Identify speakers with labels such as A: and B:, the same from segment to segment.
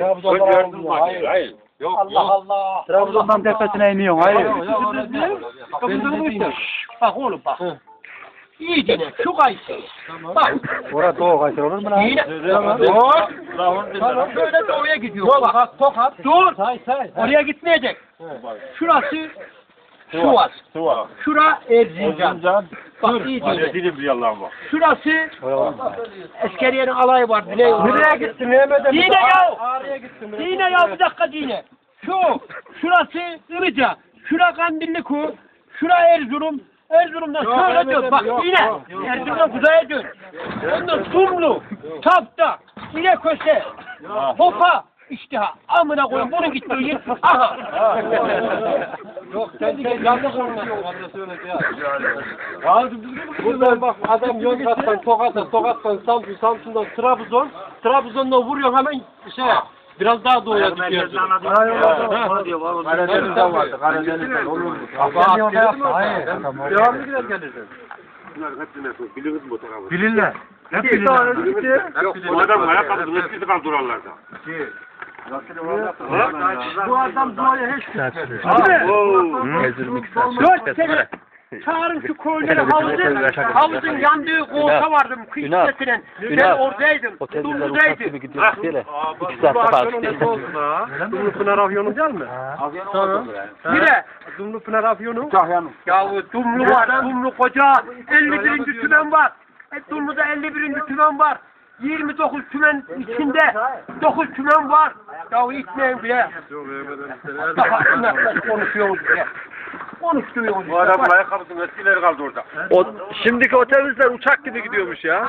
A: Trabzon'dan hayır.
B: Yok, Allah Allah.
C: Trabzon'dan tepesine iniyorsun. Hayır.
B: Bak oğlum bak. İyi dinle şu kayısı. Bak.
C: Orada doğu kaçır olur mu lan?
B: Yine. Dur. Şöyle doğuya gidiyor. Bak Tokat. Dur. Oraya gitmeyecek. Şurası Sivas. Şura Erzincan. Bak iyi dinle. Şurası Eskeriye'nin alayı var.
A: Nereye gittin Mehmet'e?
B: Dine ya.
A: Ağrı'ya gittin.
B: Dine ya bir dakika dine. Şurası Ilıca. Şura Kandilliku. Şura Erzurum. Erzurum'dan şöyle dön. Bak yine. Erzurum'dan kuzeye dön. Ondan Sumlu. Tapta. İneköse. Hopa. İşte ha. Amına koyun. Bunun gittiği yer. Aha.
A: Yok sen yanlış konuşuyorsun. Buradan bak adam Yozgat'tan Tokat'tan Samsun'dan Trabzon'dan vuruyor hemen biraz daha doğuya gidiyor.
C: Karadeniz'den vardı. Karadeniz'den olur mu? Hayır.
A: Devamlı gider gelirsin.
C: Bilirler. Hep bilirler.
D: Bu adam ayakkabı eskisi kaldı oralarda.
A: Bu adam doğuya hiç gitmedi.
B: Dört sene çağırın şu koyunları havuzun yandığı kolta vardım kıyısetinden. Ben oradaydım. Dumludaydım.
A: Dumlu Pınar Afyonu değil mi?
B: Bire.
A: Dumlu Pınar Afyonu.
B: Ya Dumlu var. Dumlu koca. 51. tümen var. Dumlu'da 51. tümen var. 29 tümen içinde 9 tümen var. Ya itmeyin bile. Konuşuyoruz bile. Konuşturuyoruz.
D: Bu adam ayakkabısının eskileri kaldı orada.
C: Şimdiki otobüsler uçak gibi gidiyormuş ya.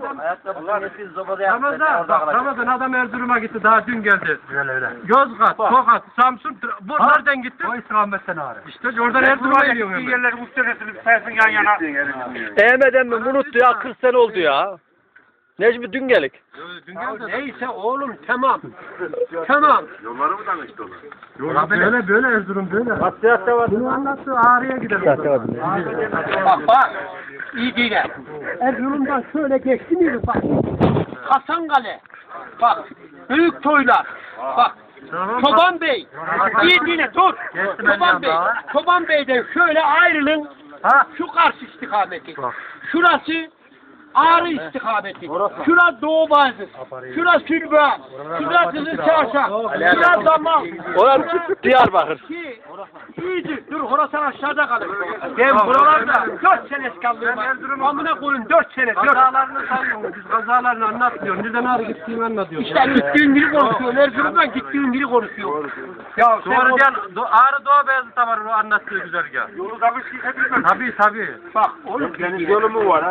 A: Ramazan adam Erzurum'a gitti daha dün geldi. Öyle. Yozgat, Tokat, Samsun, bu nereden gitti?
C: O istikametten ağrı.
A: İşte oradan Erzurum'a geliyor.
D: Eski yerleri muhtemelen sayısın yan yana.
C: Eğmeden mi unuttu ya 40 sene oldu ya. Necmi dün gelik.
B: Neyse oğlum tamam. Tamam.
D: Yolları mı tanıştı onlar?
A: Böyle Erzurum böyle. Hassiyatta var. Bunu anlattı Ağrı'ya gidelim.
B: Bak. İyi dinle. Erzurum'dan şöyle geçti miydi bak. Hasankale. Bak. Büyük toylar. Bak. Çoban Bey. İyi dinle dur. Çoban Bey. Çoban Bey'den şöyle ayrılın. Şu karşı istikameti. Şurası Ağrı istikameti. Şura Doğu Bazı. Şura Sülba. Şura Kızıl Çarşaf. Şura Damal.
C: Orası Diyarbakır.
B: İyidir. Dur Horasan aşağıda kalır. Ben buralarda 4 sene kaldım. Amına koyun 4 sene.
A: Kazalarını sanmıyorsun. Biz kazalarını anlatmıyoruz. Nereden Ağrı gittiğimi anlatıyoruz.
B: İşte gittiğin biri konuşuyor. Erzurum'dan gittiğin biri konuşuyor.
A: Ya doğru gel. Ağrı Doğu Beyazıt'ta var o anlattığı güzergah.
D: Yolu tabii ki
A: Tabii.
B: Bak oğlum.
D: deniz yolu mu var?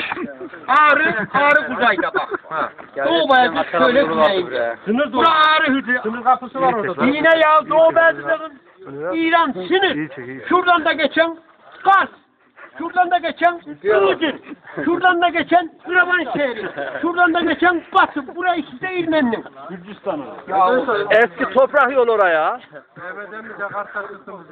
B: Ağrı kuzeyde bak. Doğu Beyazıt şöyle güneyinde.
A: Sınır
B: Bura Ağrı hücre.
A: Sınır kapısı var orada.
B: Yine ya Doğu Beyazıt'ın İran sınır. Şuradan da geçen Kars. Şuradan da geçen Iğdır. Şuradan da geçen İravan şehri. Şuradan da geçen Batı. Burası işte İrmen'in.
C: Eski toprak yol oraya.
A: Mehmet'e mi Jakarta kısmı